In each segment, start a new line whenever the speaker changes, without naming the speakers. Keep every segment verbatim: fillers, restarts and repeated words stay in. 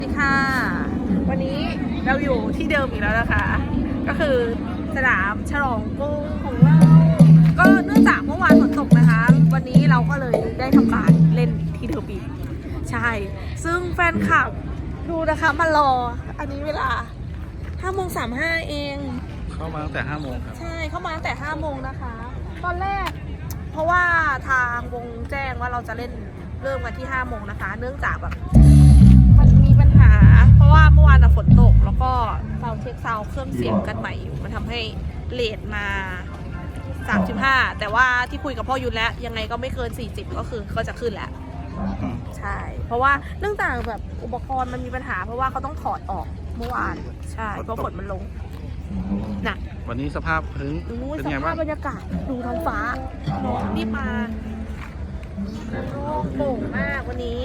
สวัสดีค่ะวันนี้เราอยู่ที่เดิมอีกแล้วนะคะก็คือสนามฉลองกรุงของเราก็เนื่องจากเมื่อวานฝนตกนะคะวันนี้เราก็เลยได้ทำการเล่นที่เดิมอีกใช่ซึ่งแฟนคลับดูนะคะมารออันนี้เวลาห้าโมงสามห้าเอง
เข้ามาตั้งแต่ห้าโมงครับ
ใช่เข้ามาตั้งแต่ห้าโมงนะคะตอนแรกเพราะว่าทางวงแจ้งว่าเราจะเล่นเริ่มกันที่ห้าโมงนะคะเนื่องจากแบบมันมีปัญหาเพราะว่าเมื่อวานฝนตกแล้วก็เราเช็คซาวเครื่องเสียงกันใหม่อยู่มันทำให้เลทมาสามสิบห้าแต่ว่าที่คุยกับพ่อยุนแล้วยังไงก็ไม่เกินสี่สิบก็คือก็จะขึ้นแล้วใช่เพราะว่าเนื่องจากแบบอุปกรณ์มันมีปัญหาเพราะว่าเขาต้องถอดออกเมื่อวานใช่เพราะฝนมันลงหนัก
วันนี้สภาพพื้นเป็นไงบ้าง
สภาพบรรยากาศดูท้องฟ้าน้องนี่มาโล่งโปร่งมากวันนี้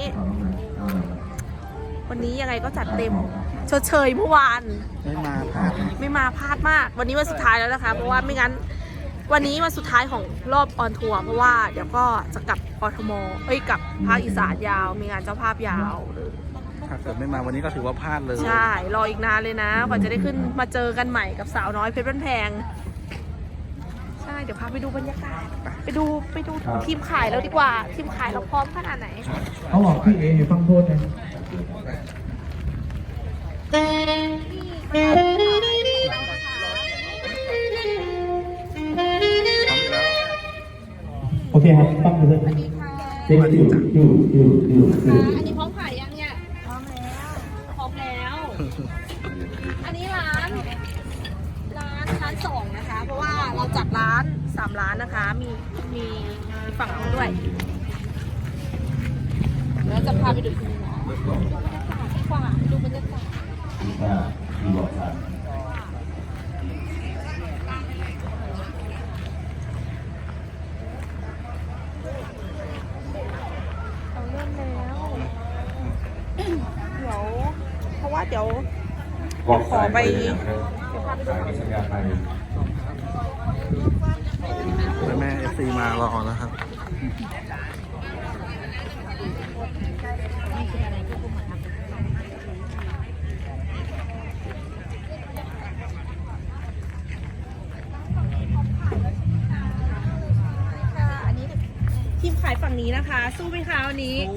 วันนี้ยังไงก็จัดเต็มชดเชยเมื่อวาน
ไม่มาพลาด
ไม่มาพลาดมากวันนี้วันสุดท้ายแล้วนะคะเพราะว่าไม่งั้นวันนี้วันสุดท้ายของรอบออนทัวร์เพราะว่าเดี๋ยวก็จะกลับกทมเอ้ยกลับภาคอีสานยาวมีงานเจ้าภาพยาวเลย
ถ้าเกิดไม่มาวันนี้ก็ถือว่าพลาดเลย
ใช่รออีกนานเลยนะกว่าจะได้ขึ้นมาเจอกันใหม่กับสาวน้อยเพชรบ้านแพงใช่เดี๋ยวพาไปดูบรรยากาศไปดูไปดูทีมขายแล้วดีกว่าทีมขายเราพร้อมขนาดไหน
เขาบอกพี่เออยู่ฟังโทษนะโอเคครับฟังดูเลยเด็กอยู่อยู่อยู่อยู่
อันนี้พร้อมขายยังเนี่ยพร้อมแล้วพร้อมแล้วอันนี้ร้านร้านร้านสองนะคะเพราะว่าเราจัดร้านสามร้านนะคะมีมีมีฝั่งนู้นด้วยแล้วจะพาไปดูที่นี่นะดูบรรยากาศดีกว่าดูบรรยากาศเราเริ่มแล้วเดี๋ยวเพราะว่าเดี๋ยวขอไปเดี๋ยวพาไปดู
แม่แม่เอฟซีมารอแล้วครับ
ทีมขายฝั่งนี้นะคะสู้ไหมคะวันนี้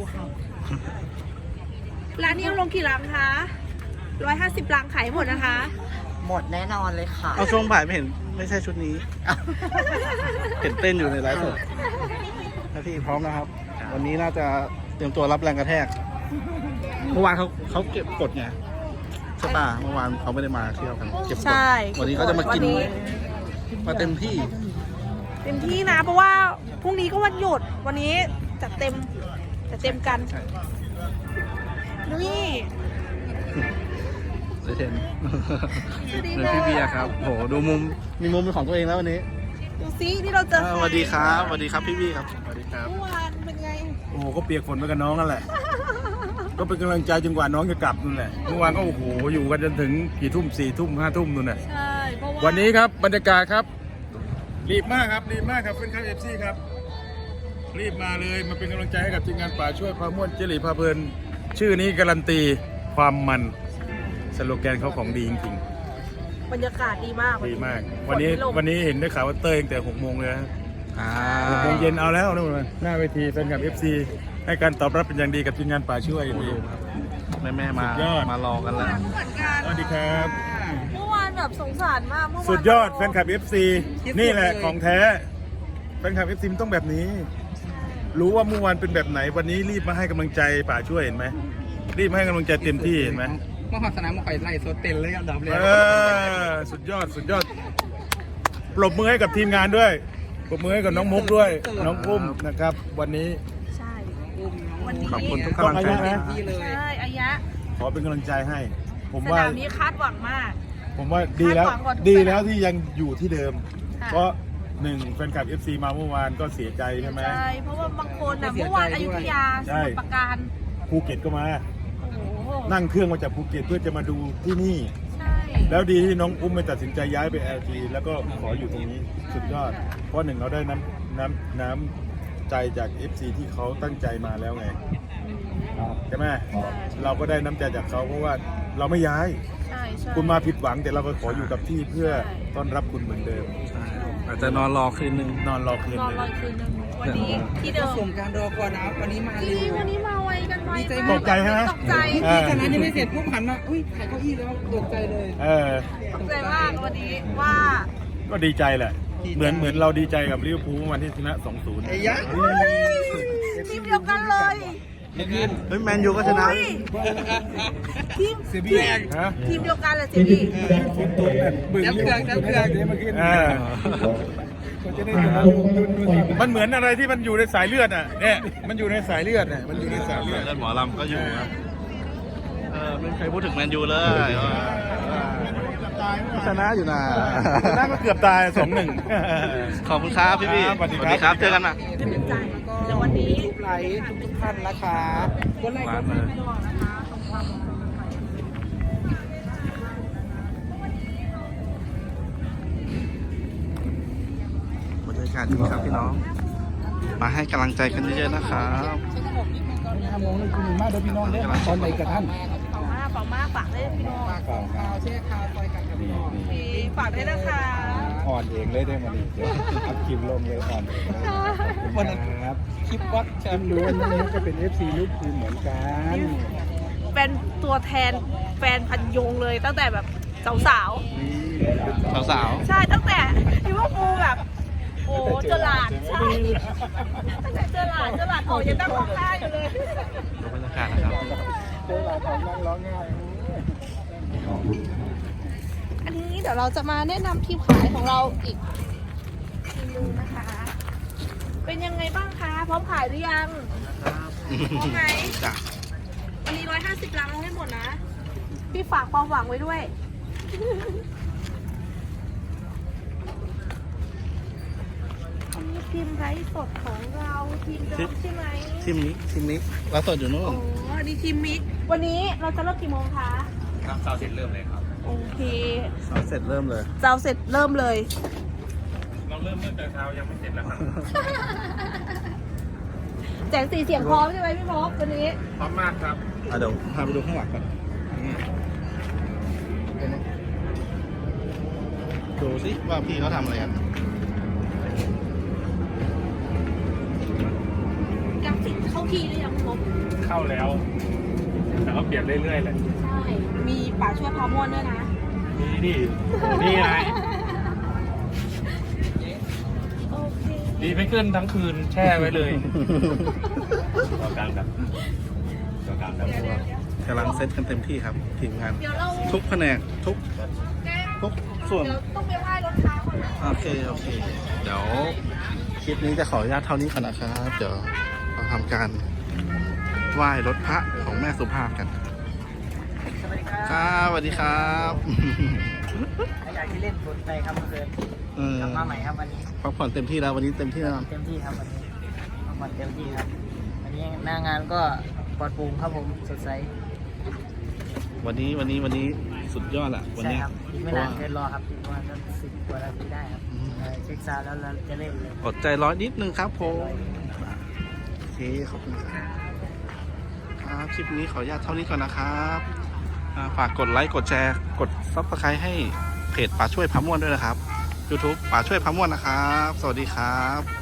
ร้านนี้เอาลงกี่ลังคะร้อยห้าสิบลังขายหมดนะคะ
หมดแน่นอนเลยค่ะ
เอาช่วงบ่ายไม่เห็นไม่ใช่ชุดนี้เห็นเต้นอยู่ในไลฟ์สดนะพี่พร้อมนะครับวันนี้น่าจะเตรียมตัวรับแรงกระแทกเมื่อวานเขาเขาเก็บกดไงใช่ป่ะเมื่อวานเขาไม่ได้มาเที่ยวกันเก็บกดวันนี้เขาจะมากินมาเต็มที่
เต็มที่นะเพราะว่าพรุ่งนี้ก็วันหยุดวันนี้จัดเต็มจัดเต็มกันนี่
เห็นเหมือนพี่เบียร์ครับโหดูมุมมีมุมเป็นของตัวเองแล้ววันนี้
ดูซิที่เราเจอ
สวัสดีครับสวัสดีครับพี่พี่ครับสวัสดีครับ
เมื่อวานเป็นไง
โอ้โหก็เปียกฝนไปกับน้องนั่นแหละก็เป็นกำลังใจจนกว่าน้องจะกลับนั่นแหละเมื่อวานก็โอ้โหอยู่กันจนถึงกี่ทุ่มสี่ทุ่มห้าทุ่มนู่นแหละ
ใช่เพราะว่า
วันนี้ครับบรรยากาศครับรีบมากครับรีบมากครับเป็นข้าวเอฟซีครับรีบมาเลยมาเป็นกำลังใจให้กับทีมงานป่าช่วยพาม่วนเจริญพาเพลินชื่อนี้การันตีความมันสโลแกนเขาของดีจริง
ๆบรรยากาศดีมาก
ดีมากวันนี้วันนี้เห็นได้ข่าวว่าเต้ยตั้งแต่หกโมงเลยหกโมงเย็นเอาแล้วนู่นหน้าเวทีแฟนคลับเอฟซีให้การตอบรับเป็นอย่างดีกับทีมงานป่าช่วย
แม่แม่มามารอกันแล้ว
สวัสดีครับ
เมื่อวานแบบสงสารมากเมื่อวาน
สุดยอดแฟนคลับเอฟซีนี่แหละของแท้แฟนคลับเอฟซีต้องแบบนี้รู้ว่าเมื่อวานเป็นแบบไหนวันนี้รีบมาให้กำลังใจป่าช่วยเห็นไหมรีบให้กำลังใจเต็มที่เห็นไหม
มหาสนามมาไข่ไล่โซเต็นเลยอันดับเลย
สุดยอดสุดยอดปรบมือให้กับทีมงานด้วยปรบมือให้กับน้องมุกด้วยน้องอุ้มนะครับวันนี้
ใช่วันนี้
ขอบคุณทุกกำลังใจ
นะใช่อายะ
ขอเป็นกำลังใจให้ผม
ว่า
ส
นามนี้คาดหวังมาก
ผมว่าดีแล้วดีแล้วที่ยังอยู่ที่เดิมเพราะหนึ่งแฟนคลับ เอฟ ซี มาเมื่อวานก็เสียใจใช่ไหม
ใช่เพราะว่าบางคนนะเมื่อวานอยุธยาสมุทรปราการ
ภูเก็ตก็มานั่งเครื่องมาจากภูเก็ตเพื่อจะมาดูที่นี่แล้วดีที่น้องอุ้มไม่ตัดสินใจย้ายไป แอล จี แล้วก็ขออยู่ตรงนี้สุดยอดเพราะหนึ่งเราได้น้ำน้ำน้ำใจจาก เอฟ ซี ที่เขาตั้งใจมาแล้วไงใช่ไหมเราก็ได้น้ำใจจากเขาเพราะว่าเราไม่ย้าย
ใช่ใช่
คุณมาผิดหวังแต่เราก็ขออยู่กับที่เพื่อต้อนรับคุณเหมือนเดิม
อาจจะนอนรอคืนนึง
นอนรอคืน
นอน
ห
ร
นึ่
อง คืนนึงวันนี้ที่เดิม
สมการรอคอยนะครับวันนี้มา
จ
เร็
ริง
ว
วันนี้มาไวกันไว
ดีใจ
มา
ตกใจใช่ไหม
ตกใจ
เออ
จากนั้นยังไม่เสร็จปุ๊บหันมาอุ้ยถ่ายเก้าอี้แล้วตกใจเลย
เออ
ตกใจมากวันนี้ว่า
ก็ดีใจแหละ เหมือนเหมือนเราดีใจกับลิเวอร์พูลวันที่ชนะ สองศูนย์
ไอ้ยะ
ทีมเดียวกันเลย
เฮ้ยแมนยูก็ชนะ
อุ้ยทีม
เสียบีฮะ
ทีมเดียวกันเลยเจมี่
จับเครื่องจับเครื่อง
เออมันเหมือนอะไรที่มันอยู่ในสายเลือดอ่ะเนี่ยมันอยู่ในสายเลือดอ่ะมันอยู่ในสายเลือด
เลือดหมอลำก็อยู่ครับเออไม่มีใครพูดถึงแมนยูเลยชนะอยู่นะ
ชนะก็เกือบตายสองหนึ่ง
ขอบคุณครับพี่พี่
ครับสวัสดีครับ
เจอกันนะ
เป็นใจเดี๋ยววันนี้
ทุกไลค์ทุกๆท่านนะคะกดไลค์ก
ร้าน
ด
เลยบรรยากาศดีครับพี่น้อง มาให้กำลังใจกันเยอะๆนะครับ
ห้าโมงนี่คุณมาเดี๋ยวพี่น้องเด้อตอนไหนกับท่าน
เป่ามากเป่ามากฝากได้พี่น้อง
ข่าวแช่ข่าวซอยกันกับพี่น้อง
มีฝากได้นะคะ
อ่อนเองเลยได้มาดิเดี๋ยวอัพคลิปลงเลยอ่อนเอง
วันนั้น
ครับ
คลิปวัดแชมป์
รู้ว่าน้องก็เป็น เอฟ ซี ลิเวอร์พูลเหมือนกัน
เป็นตัวแทนแฟนพันยงเลยตั้งแต่แบบสาว
สาว
ๆใช่ตั้งแต่ลิเวอร์พูลแบบ โอ้เจอหลาดใช่ตั้งแต่เจอหลาดเจอหลาดโอ้ยังนั่งร้องไห้อยู่เลย
ๆดูบรรยากาศนะครับ
เจอหลานของนั่งร้องไห้
อันนี้เดี๋ยวเราจะมาแนะนำทีมขายของเราอีกทีมนึงนะคะ เป็นยังไงบ้างคะพร้อมขายหรือยังพร้อมไหม
จ้ะ
วันนี้ร้อยห้าสิบลังเอาให้หมดนะ พี่ฝากความหวังไว้ด้วย อันนี้ทีมไร้สดของเราทีมเดิมใช่ไหม
ทีมนี้ทีมนี้เราสดอยู่นู่
โอ้
น
อันนี้ทีมมิก วันนี้เราจะเริ่มกี่โมงคะ
ครับสาวเสร็จเริ่มเลยครับ
โอเค
เราเสร็จเริ่มเลย
เจ้าเสร็จเริ่มเลย
เราเริ่มเมื่อแต่เช้ายังไม่เสร็จแล้วครับ
แจงสีเสียงพร้อมใช่ไหมพี่พบวันนี้
พร้อมมากครับ
อ่ะเดี๋ยวพาไปดูข้างหลังก่อนนี่ดูสิว่าพี่เขาทำอะไรกัน
กราฟิกเข้าทีหรือยังพี่พบ
เข้าแล้ว แต่ก็เปลี่ยนเรื่อยๆเลย
ใช่ มีป่าช่วยพาม่วนด้วยนะ
นี่นี่นี่ไง
โอเค
ดีไม่ขึ้นทั้งคืนแช่ไว้เลยต่อกลางครับต่อกลางครับ
เดี๋ยวเดี๋ยวเดี๋ยว
กำลังเซตกันเต็มที่ครับทีมงาน
เดี๋ยวเรา
ทุกแผนกทุก
แก้
ทุกส่วน
เดี๋ยวต้องไปไหว้รถค้าก่อนนะ
โอเค โอเค เดี๋ยวคลิปนี้จะขออนุญาตเท่านี้ก่อนนะครับ เดี๋ยวเราทำการไหว้รถพระของแม่สุภาพกัน
สวัสดีครับ
ครับสวัสดีครับ
อยากที่เล่นฟุตไปครับเมื่อคืน
เออก
ลับมาใหม่ครับวันนี้
พักผ่อนเต็มที่แล้ววันนี้เต็มที่แล้ว
เต็มที่ครับวันนี้พักผ่อนเต็มที่ครับ วันนี้หน้างานก็ปลอดโปร่งครับผมสดใส
วันนี้วันนี้วันนี้สุดยอดอะวัน
ใช่
เนี้ย
ครับอีกไม่นานเกินรอครับอีกประมาณสักสิบกว่านาทีได้ครับ
อืม
เอ่อเช็คซาวด์แล้วเราจะเล่นเลย
อดใจร้อนนิดนึงครับผมโอเคขอบคุณครับครับคลิปนี้ขออนุญาตเท่านี้ก่อนนะครับอ่าฝากกดไลค์กดแชร์กดซับสไครต์ให้เพจป่าช่วยพาม่วนด้วยนะครับ YouTube ป่าช่วยพาม่วนนะครับ สวัสดีครับ